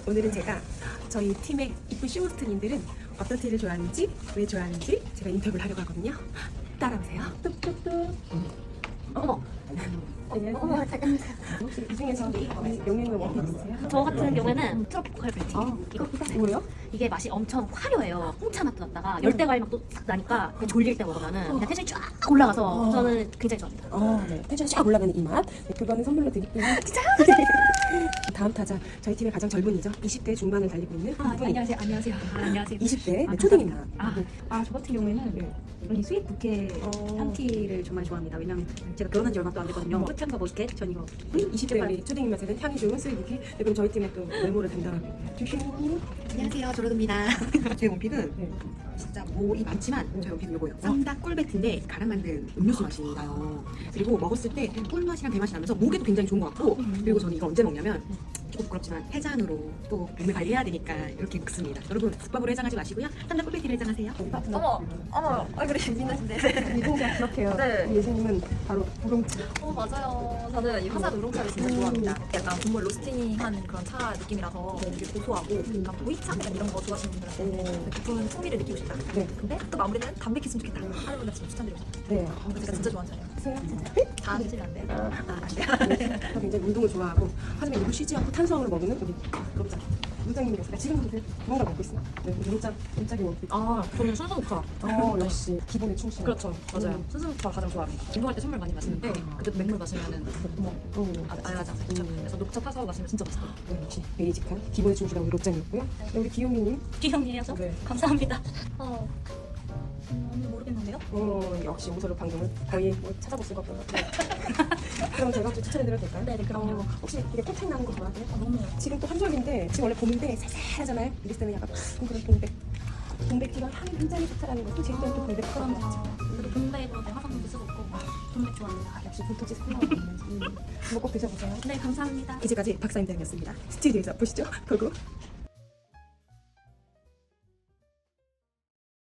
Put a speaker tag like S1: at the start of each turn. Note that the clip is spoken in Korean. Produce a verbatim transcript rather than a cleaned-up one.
S1: 오늘은 제가 저희 팀의 이쁜 쇼호스트님들은 어떤 티를 좋아하는지, 왜 좋아하는지 제가 인터뷰를 하려고 하거든요. 따라오세요. 뚝뚝뚝. 어머.
S2: 어머, 잠깐만.
S1: 혹시 이 중에서 영양분 원픽 있으세요?
S2: 저 같은 경우에는 트로피컬 블랙티.
S1: 아,
S2: 이거
S1: 뭐예요?
S2: 이게 맛이 엄청 화려해요. 홍차 맛도 났다가 열대 과일 맛도 싹 나니까 그냥 졸릴 때 먹으면은 그냥 텐션이 쫙 올라가서
S1: 어.
S2: 저는 굉장히 좋아합니다.
S1: 어, 네. 텐션이 쫙 올라가는 이 맛. 네, 그거는 선물로 드릴게요.
S2: 진짜요?
S1: 다음 타자, 저희 팀의 가장 젊은이죠. 이십 대 중반을 달리고 있는
S2: 아,
S1: 이분이
S2: 안녕하세요. 안녕하세요. 아, 안녕하세요.
S1: 이십 대
S2: 아,
S1: 네, 초딩입니다.
S2: 아,
S3: 아, 저 같은 경우에는
S1: 네.
S3: 이 스윗 부케
S1: 어.
S3: 향티를 정말 좋아합니다. 왜냐면 제가 결혼한 지 얼마 또 안 됐거든요. 끝향과 머스켓 전 이거
S1: 이십 대 우리 초딩 입맛에는 향이 좋은 스위트키. 네, 그럼 저희 팀의 또 메모를 담당하고 있네요. 주시님.
S4: 안녕하세요, 조르드입니다. 제 원픽은
S1: 네.
S4: 진짜 뭐이 많지만 저희 원픽은 요거예요. 쌈닭 꿀배트인데 갈아 만든 음료수 맛이 나요. 그리고 먹었을 때 꿀맛이랑 배맛이 나면서 목에도 굉장히 좋은 것 같고, 그리고 저는 이거 언제 먹냐면 조금 부끄럽지만 해장으로 또 몸을 관리해야 되니까 이렇게 먹습니다. 여러분 국밥으로 해장하지 마시고요. 쌈닭 꿀배트를 해장하세요.
S3: 어머, 어머, 얼굴이 재밌는데.
S1: 이동자 기억해요.
S3: 네.
S1: 예수님은 바로 우롱차.
S3: 어, 맞아요. 저는 이 화산 우롱차를 진짜 좋아합니다. 약간 국물 로스팅한 그런 차 느낌이라서 되게 고소하고 약간 보이차 약간 이런 거 좋아하시는 분들한테 깊은 풍미를 느끼고 싶다.
S1: 네.
S3: 근데 또 마무리는 담백했으면 좋겠다. 하는 분들 추천드리고 싶어요.
S1: 네.
S3: 어, 제가 진짜 좋아하는 차예요.
S1: 세요?
S3: 다 드시면 안 돼요. 아, 안 돼요.
S1: 저 굉장히 운동을 좋아하고 하지만 이거 쉬지 않고 탄수화물을 먹는 우리 구독자 무장님이었어요. 지금 근데 뭔가 먹고 있어요. 네, 문자 문자기 원픽.
S3: 아, 저는 순수 녹차.
S1: 어, 역시 기본에 충실.
S3: 그렇죠, 맞아요.
S1: 음.
S3: 순수 녹차 가장 좋아합니다. 운동할 때 선물 많이 마시는데 그때도 맥물 마시면은 뭐
S1: 음.
S3: 아, 알아가지 살짝.
S1: 음.
S3: 그래서 녹차 타서 마시면 진짜 맛있어요.
S1: 네, 역시 베이직한 기본에 충실한 우리 록장이었고요. 네, 우리 기용이님.
S2: 귀여움이에요.
S1: 네.
S2: 감사합니다. 어, 음, 모르겠는데요?
S1: 어, 역시 오소를 방송을 거의 뭐 찾아볼 수가 없던 것 같아요. 그럼 제가 좀 추천해드려도 될까요?
S2: 네, 네, 그럼요.
S1: 어, 혹시 이게 꽃향 나는 거 좋아하세요?
S2: 아, 너무
S1: 지금 또 한절인데 지금 원래 봄인데 살살하잖아요. 이랬을 때는 약간 그런 동백 동백티가 향이 굉장히 좋다라는 것도 제일 또 동백
S2: 그럼요. 그리고 동백으로 내 화장품도 쓰고 있고 동백 좋아합니다.
S1: 역시 불토지 상관없는 음. 한번 꼭 드셔보세요.
S2: 네, 감사합니다.
S1: 이제까지 박사임당이었습니다. 스튜디오에서 보시죠. 고고.